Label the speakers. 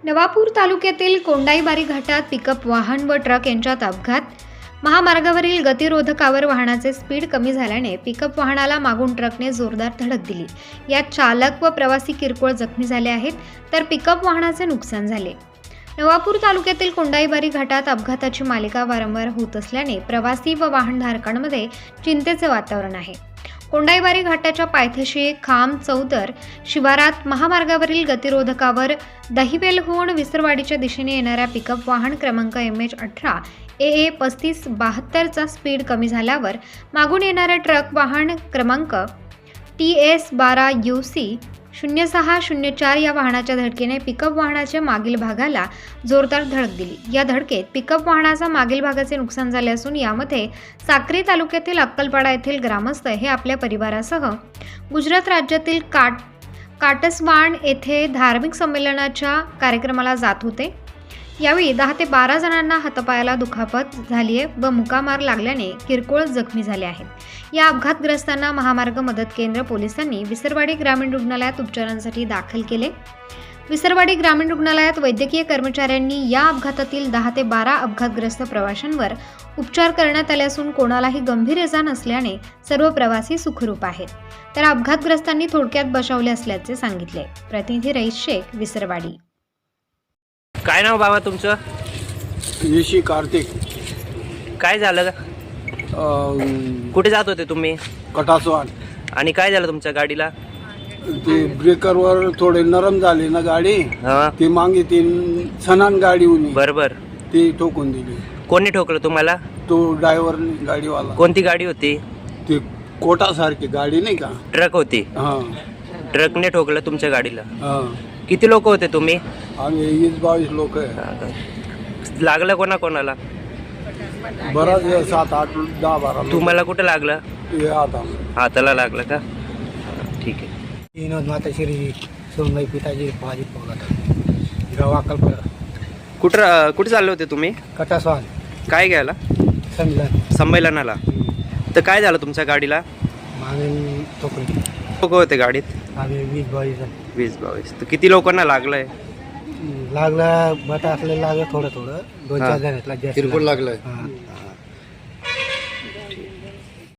Speaker 1: नवापूर तालुक्यातील कोंडाईबारी घाटात पिकअप वाहन व ट्रक यांच्यात अपघात. महामार्गावरील गतिरोधकावर वाहनाचे स्पीड कमी झाल्याने पिकअप वाहनाला मागून ट्रकने जोरदार धडक दिली. यात चालक व प्रवासी किरकोळ जखमी झाले आहेत, तर पिकअप वाहनाचे नुकसान झाले. नवापूर तालुक्यातील कोंडाईबारी घाटात अपघाताची मालिका वारंवार होत असल्याने प्रवासी व वाहनधारकांमध्ये चिंतेचे वातावरण आहे. कोंडाईबारी घाटाच्या पायथ्याशी खांब चौदर शिवारात महामार्गावरील गतिरोधकावर दहिवेलहून विसरवाडीच्या दिशेने येणाऱ्या पिकअप वाहन क्रमांक MH18 AA 3572चा स्पीड कमी झाल्यावर मागून येणाऱ्या ट्रक वाहन क्रमांक TS 12 UC 0604 या वाहनाच्या धडकेने पिकअप वाहनाच्या मागील भागाला जोरदार धडक दिली. या धडकेत पिकअप वाहनाचा मागील भागाचे नुकसान झाले असून यामध्ये साक्री तालुक्यातील अक्कलपाडा येथील ग्रामस्थ हे आपल्या परिवारासह गुजरात राज्यातील काटसवाण येथे धार्मिक संमेलनाच्या कार्यक्रमाला जात होते. यावेळी 10 ते 12 जणांना हातापायाला दुखापत झाली आहे व मुकामार लागल्याने किरकोळ जखमी झाले आहेत. या अपघातग्रस्तांना महामार्ग मदत केंद्र पोलिसांनी विसरवाडी ग्रामीण रुग्णालयात उपचारांसाठी दाखल केले. विसरवाडी ग्रामीण रुग्णालयात वैद्यकीय कर्मचाऱ्यांनी या अपघातातील 10 ते 12 अपघातग्रस्त प्रवाशांवर उपचार करण्यात आले असून कोणालाही गंभीर इजा नसल्याने सर्व प्रवासी सुखरूप आहेत. तर अपघातग्रस्तांनी थोडक्यात बचावले असल्याचे सांगितले. प्रतिनिधी रईस शेख, विसरवाडी.
Speaker 2: काय नाव बाबा तुमचं?
Speaker 3: येशी कार्तिक.
Speaker 2: काय झालं? कुठे जात होते तुम्ही?
Speaker 3: कटासवाड.
Speaker 2: आणि काय झालं तुमच्या गाडीला?
Speaker 3: ते ब्रेकरवर थोडे नरम झाले ना गाडी,
Speaker 2: हा,
Speaker 3: ती मागे ती सनान गाडी होती,
Speaker 2: बरोबर.
Speaker 3: ती ठोकून दिली.
Speaker 2: कोणी ठोकलं तुम्हाला?
Speaker 3: तो ड्रायव्हर गाडीवाला.
Speaker 2: कोणती गाडी होती?
Speaker 3: ती कोटासारखी गाडी नाही का?
Speaker 2: ट्रक होती.
Speaker 3: हा
Speaker 2: ट्रकने ठोकलं तुमच्या गाडीला.
Speaker 3: हा.
Speaker 2: किती लोक होते तुम्ही?
Speaker 3: आम्ही 20-22 लोक आहे.
Speaker 2: लागलं कोणाला?
Speaker 3: बराच 7, 8, 10, 12
Speaker 2: तुम्हाला कुठं लागलं?
Speaker 3: हे आता
Speaker 2: हाताला लागलं का? ठीक आहे.
Speaker 4: विनोद माताश्री सोनबाई पिताजी पाजी पोगत गाव अक्कलपाडा
Speaker 2: कुठे चालले होते तुम्ही?
Speaker 4: कटासवान
Speaker 2: काय घ्यायला? संमेलनाला. तर काय झालं तुमच्या गाडीला?
Speaker 4: मागे तोकडी
Speaker 2: लोक होते गाडीत?
Speaker 4: आम्ही 20-22
Speaker 2: तर किती लोकांना लागलंय?
Speaker 4: लागलं बटा असलं लागलं थोडं 2-4 जणांना जास्त
Speaker 3: किरकोळ लागलंय.
Speaker 4: हां.